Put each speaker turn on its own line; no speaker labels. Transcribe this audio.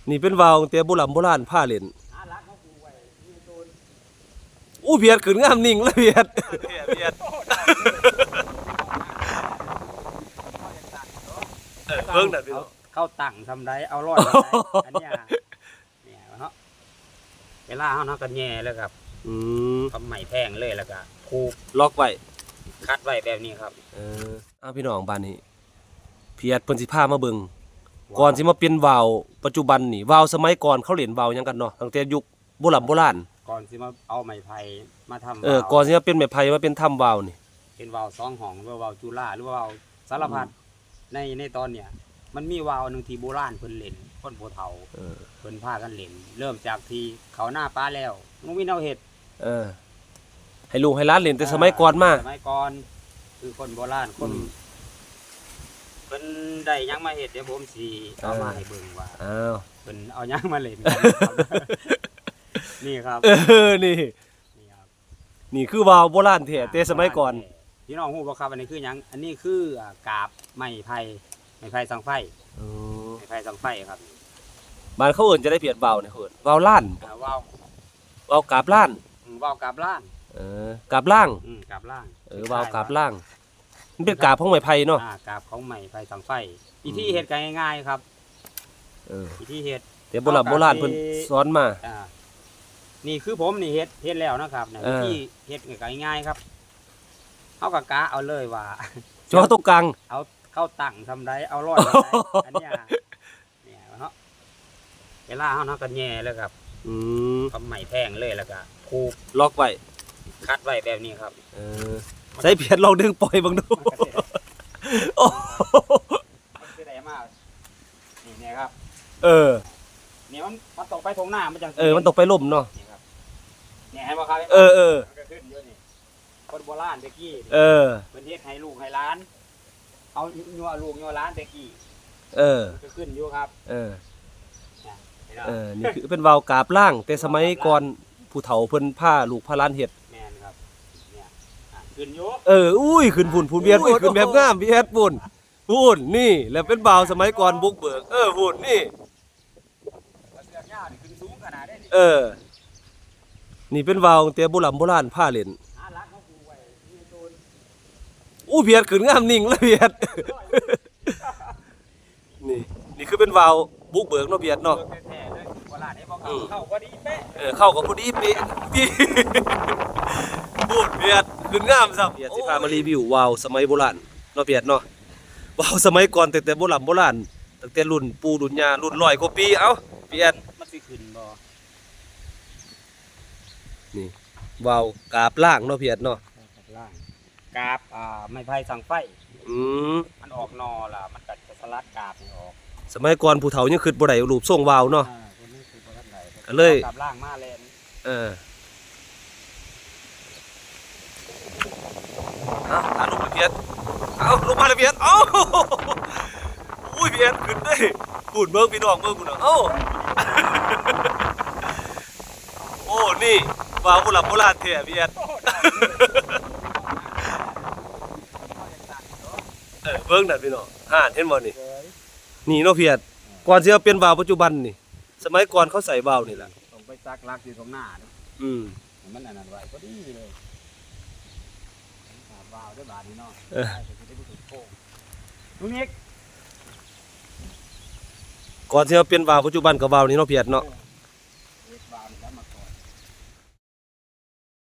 นี่เป็นวาวตั้งแต่โบราณผ้าเล่นอู้เพียดขึ้นงามนิ่งเลยเพียดเบิ่งนั่นพี่น้อง
เข้าตั้งทำไรเอารอดอันนี้เนี่ยเนาะเวลาเขาเนาะกันแย่แล้วครับทำใหม่แพงเลยแล้วก็ผูก
ล็อกไว้
คัดไว้แบบนี้ครับ
พี่น้องบ้านนี้เพียดเพิ่นสิพามาเบิ่งก่อนสิมาเป็นวาวปัจจุบันนี่วาวสมัยก่อนเขาเล่นวาวหยังกันเนาะตั้งแต่ยุคโบราณ
ก่อนสิมาเอาไม้ไผ่มาท
ำก่อนสิมาเป็นไม้ไผ่มาเป็นถ้ำวาวนี่
เป็นวาว2 ห้องหรือวาวจุฬาหรือวาวสารพัดในตอนเนี้ยมันมีวาวนึงที่โบราณเพิ่นเล่นคนโบเฒ่าเพิ่นพากันเล่นเริ่มจากที่เขาหน้าป้าแล้วลุงวินเอาเฮ็ด
ให้ลูกให้หลานเล่นแต่สมัยก่อนมา
สมัยก่อนคือคนโบราณคนเพิ่นได้ยังมาเฮ็ดเดี๋ยวผมสิเอามาให้เบิ่งว่าเพิ่นเอายังมาเล่นนี่ครับ
นี่คือวาวโบราณแท้แต่สมัยก่อน
พี่น้องฮู้บ่ครับอันนี้คือหยังอันนี้คือกาบไม้ไผ่สังไฟไม้ไผ่สังไฟครับ
บ้านเขาเอิ้นจะได้เพียดวาวนี่เอิ้นวาวล้านวาวกาบล้าน
วาวกาบล้าน
กาบล่าง
กาบล่าง
วาวกาบล่างมันเป็นกาบของไม้ไผ่เนาะ
กาบของไม้ไผ่สังไฟวิธีเฮ็ดกันง่ายๆครับวิธีเฮ็ด
แต่โบราณเพิ่นสอนมา
นี่คือผมนี่เฮ็ดแล้วนะครับวิธีเฮ็ดกันง่ายๆครับเอากะกะเอาเลยว่า
จ่อตรงกลาง
เอาเข้าตั้งทำไรเอารอดอันนี้เนี่ยเนาะเวลาเขาเนาะกันแย่แล้วครับทำใหม่แพงเลยแล้วก็ผูก
ล็อกไว้
คัดไว้แบบนี้ครับ
ใส่เพียรลองดึงปล่อยบังดูโอ้
คือได้มากนี่ครับนี่มันตกไปทงหน้ามันจัง
มันตกไปล่มเนาะ
เนี่ยให้บ่ครับขึ้นเยอะนี่คนโบราณตะกี้เป็นเฮ็ดให้ลูกให้หลานเอายัวลูกยัวหลานตะกี้ก็ขึ้นอยู่ครับ
นี่คือเป็นวาวกาบล่างแต่สมัยก่อนผู้เฒ่าเพิ่นผ้าลูกผ้าล้านเฮ็ด
แม่นครับเนี่ยขึ้นอยู่
อุ้ยขึ้นพุ่นเบียดขึ้นแบบงามเบียดพุ่นนี่แล้วเป็นวาวสมัยก่อนบุกเบิกพุ่นนี่
ขึ้นสูงขนาดนี้
นี่เป็นวาวตั้งแต่โบราณผ้าเล่นอู้เพียดขึ้นงามนิ่งเลยเพียดนี่คือเป็นวาวบุกเบิกเนาะเพียดเนาะ
เข้าพอดีเป๊ะ
เข้ากับพอดีเป๊ะพูดเพียดขึ้นงามซับเพียดสิพามารีวิววาวสมัยโบราณเนาะเพียดเนาะวาวสมัยก่อนแต่โบราณตั้งแต่รุ่นปู่รุ่นย่ารุ่น100 กว่าปีเอ้าเพียด
มันสิขึ้นบ่
นี่วาวกาบล่างเนาะเพียดเนาะ
กาบไม้ไผ่สังไฟมันออกนอล่ะมันก็จะสลัดกาบออก
สมัยก่อนผู้เฒ่ายังคิดบ่ได้รูปทรงวาวเนาะก็เลย
กาบล่างมาแลน
ลูกเพียรลูกมาเลยเพียรอุ้ยเพียรขึ้นได้พูดเบิ่งพี่น้องเบิ่งกูเนาะโอ้นี่วาวโบราณแท้เพียรเบิ่งนั่นพี่น้องเห็นบ่นี่เนาะเพียรก่อนสิเอาเป็นวาวปัจจุบันนี่สมัยก่อนเขาใส่วาวนี่แหละ
ต้องไปซักลักอยู่ตรงหน้ามันอันนั้นไว้พอดีเลยวาวด้วยบาดนี่เนาะลุงนิก
ก่อนสิเอาเป็นวาวปัจจุบันกับวาวนี่เนาะเพียรเนาะ